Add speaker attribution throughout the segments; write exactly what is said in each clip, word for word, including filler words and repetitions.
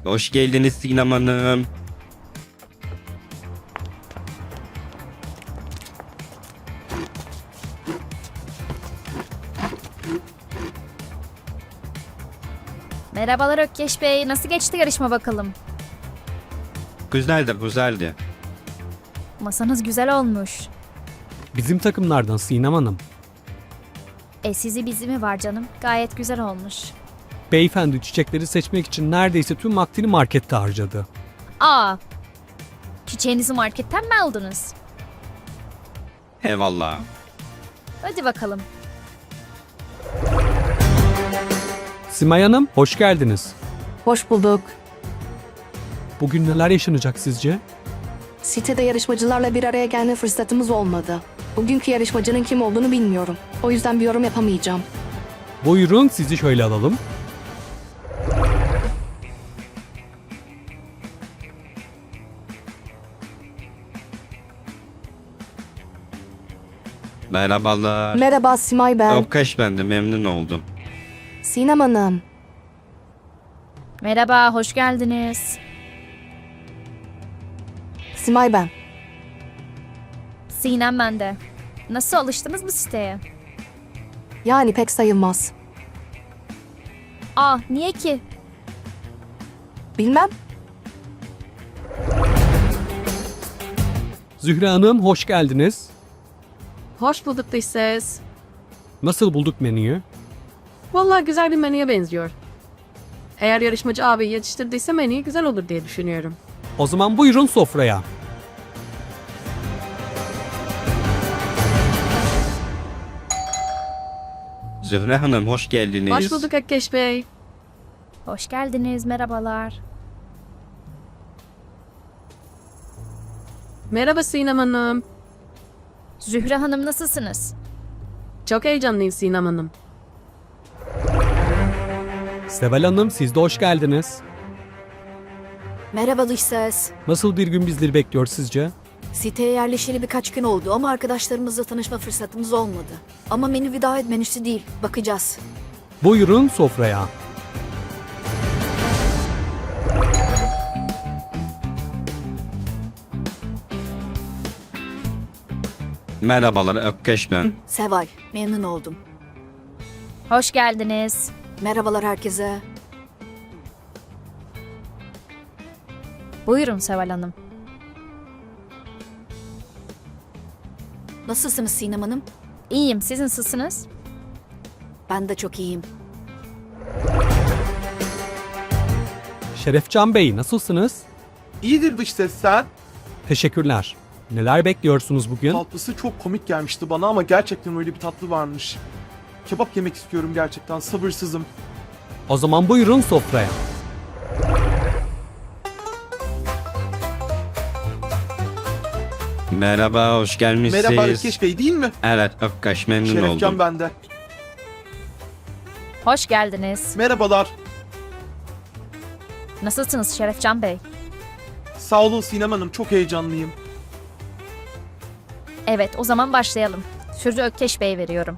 Speaker 1: Hoş geldiniz Sinem Hanım.
Speaker 2: Merhabalar Ökkeş Bey. Nasıl geçti yarışma bakalım?
Speaker 1: Güzeldi güzeldi.
Speaker 2: Masanız güzel olmuş.
Speaker 3: Bizim takımlardan Sinem Hanım.
Speaker 2: E sizi bizi mi var canım? Gayet güzel olmuş.
Speaker 3: Beyefendi çiçekleri seçmek için neredeyse tüm vaktini markette harcadı.
Speaker 2: Aa! Çiçeğinizi marketten mi aldınız?
Speaker 1: Eyvallah.
Speaker 2: Hadi bakalım.
Speaker 3: Simay Hanım, hoş geldiniz.
Speaker 4: Hoş bulduk.
Speaker 3: Bugün neler yaşanacak sizce?
Speaker 4: Sitede yarışmacılarla bir araya gelme fırsatımız olmadı. Bugünkü yarışmacının kim olduğunu bilmiyorum. O yüzden bir yorum yapamayacağım.
Speaker 3: Buyurun sizi şöyle alalım.
Speaker 1: Merhabalar.
Speaker 4: Merhaba Simay ben.
Speaker 1: Ökkeş ben de memnun oldum.
Speaker 4: Sinem Hanım.
Speaker 2: Merhaba, hoş geldiniz.
Speaker 4: Simay ben.
Speaker 2: Sinem ben de. Nasıl alıştınız mı siteye?
Speaker 4: Yani pek sayılmaz.
Speaker 2: Aa, niye ki?
Speaker 4: Bilmem.
Speaker 3: Zühre Hanım, hoş geldiniz.
Speaker 5: Hoş bulduk dış ses.
Speaker 3: Nasıl bulduk menüyü?
Speaker 5: Vallahi güzel bir menüye benziyor. Eğer yarışmacı abi yetiştirdiyse menü güzel olur diye düşünüyorum.
Speaker 3: O zaman buyurun sofraya.
Speaker 1: Zühre Hanım hoş geldiniz.
Speaker 5: Hoş bulduk Ökkeş Bey.
Speaker 2: Hoş geldiniz, merhabalar.
Speaker 5: Merhaba Sinem Hanım.
Speaker 2: Zühre Hanım nasılsınız?
Speaker 5: Çok heyecanlıyım Sinem Hanım.
Speaker 3: Seval Hanım, siz de hoş geldiniz.
Speaker 6: Merhaba dış ses.
Speaker 3: Nasıl bir gün bizleri bekliyor sizce?
Speaker 6: Siteye yerleşeli birkaç gün oldu ama arkadaşlarımızla tanışma fırsatımız olmadı. Ama menü bir davet menüsü değil. Bakacağız.
Speaker 3: Buyurun sofraya.
Speaker 1: Merhabalar Ökkeş ben.
Speaker 6: Seval, memnun oldum.
Speaker 2: Hoş geldiniz.
Speaker 6: Merhabalar herkese.
Speaker 2: Buyurun Seval Hanım.
Speaker 6: Nasılsınız Sinem Hanım?
Speaker 2: İyiyim, siz nasılsınız?
Speaker 6: Ben de çok iyiyim.
Speaker 3: Şerefcan Bey, nasılsınız?
Speaker 7: İyidir dış ses sen.
Speaker 3: Teşekkürler. Neler bekliyorsunuz bugün?
Speaker 7: Tatlısı çok komik gelmişti bana ama gerçekten öyle bir tatlı varmış. Kebap yemek istiyorum gerçekten, sabırsızım.
Speaker 3: O zaman buyurun sofraya.
Speaker 1: Merhaba hoş gelmişsiniz.
Speaker 7: Merhaba Ökkeş Bey değil mi?
Speaker 1: Evet Ökkeş memnun
Speaker 7: Şerefcan
Speaker 1: oldum.
Speaker 7: bende.
Speaker 2: Hoş geldiniz.
Speaker 7: Merhabalar.
Speaker 2: Nasılsınız Şerefcan Bey?
Speaker 7: Sağ olun Sinem Hanım, çok heyecanlıyım.
Speaker 2: Evet, o zaman başlayalım. Sözü Ökkeş Bey'e veriyorum.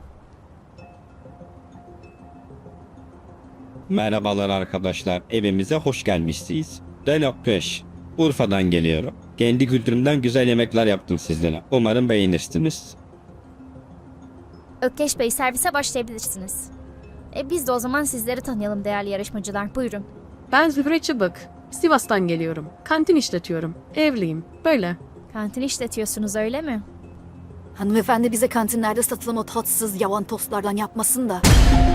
Speaker 1: Merhabalar arkadaşlar. Evimize hoş gelmişsiniz. Ben Ökkeş. Urfa'dan geliyorum. Kendi kültürümden güzel yemekler yaptım sizlere. Umarım beğenirsiniz.
Speaker 2: Ökkeş Bey, servise başlayabilirsiniz. E biz de o zaman sizleri tanıyalım değerli yarışmacılar. Buyurun.
Speaker 5: Ben Zühre Çıbık. Sivas'tan geliyorum. Kantin işletiyorum. Evliyim. Böyle.
Speaker 2: Kantin işletiyorsunuz öyle mi?
Speaker 6: Hanımefendi bize kantinlerde satılan o tatsız yavan tostlardan yapmasın da.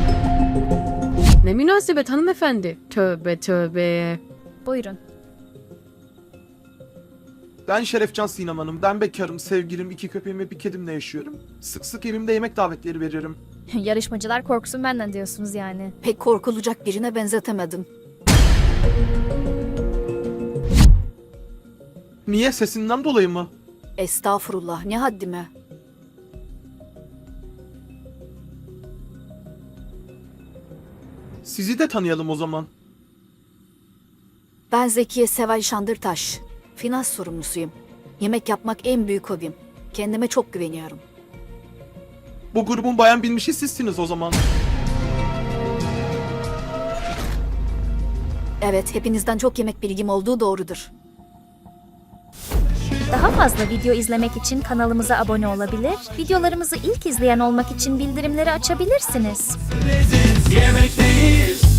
Speaker 5: Ne münasebet hanımefendi. Tövbe tövbe.
Speaker 2: Buyurun.
Speaker 7: Ben Şerefcan Sinem Hanım, ben bekarım, sevgilim, iki köpeğim ve bir kedimle yaşıyorum. Sık sık evimde yemek davetleri veririm.
Speaker 2: Yarışmacılar korksun benden diyorsunuz yani.
Speaker 6: Pek korkulacak birine benzetemedim.
Speaker 7: Niye, sesinden dolayı mı?
Speaker 6: Estağfurullah, ne haddime.
Speaker 7: Sizi de tanıyalım o zaman.
Speaker 6: Ben Zekiye Seval Şandırtaş. Finans sorumlusuyum. Yemek yapmak en büyük hobim. Kendime çok güveniyorum.
Speaker 7: Bu grubun bayan bilmişi sizsiniz o zaman.
Speaker 6: Evet, hepinizden çok yemek bilgim olduğu doğrudur.
Speaker 2: Daha fazla video izlemek için kanalımıza abone olabilir, videolarımızı ilk izleyen olmak için bildirimleri açabilirsiniz.
Speaker 8: Yemekteyiz.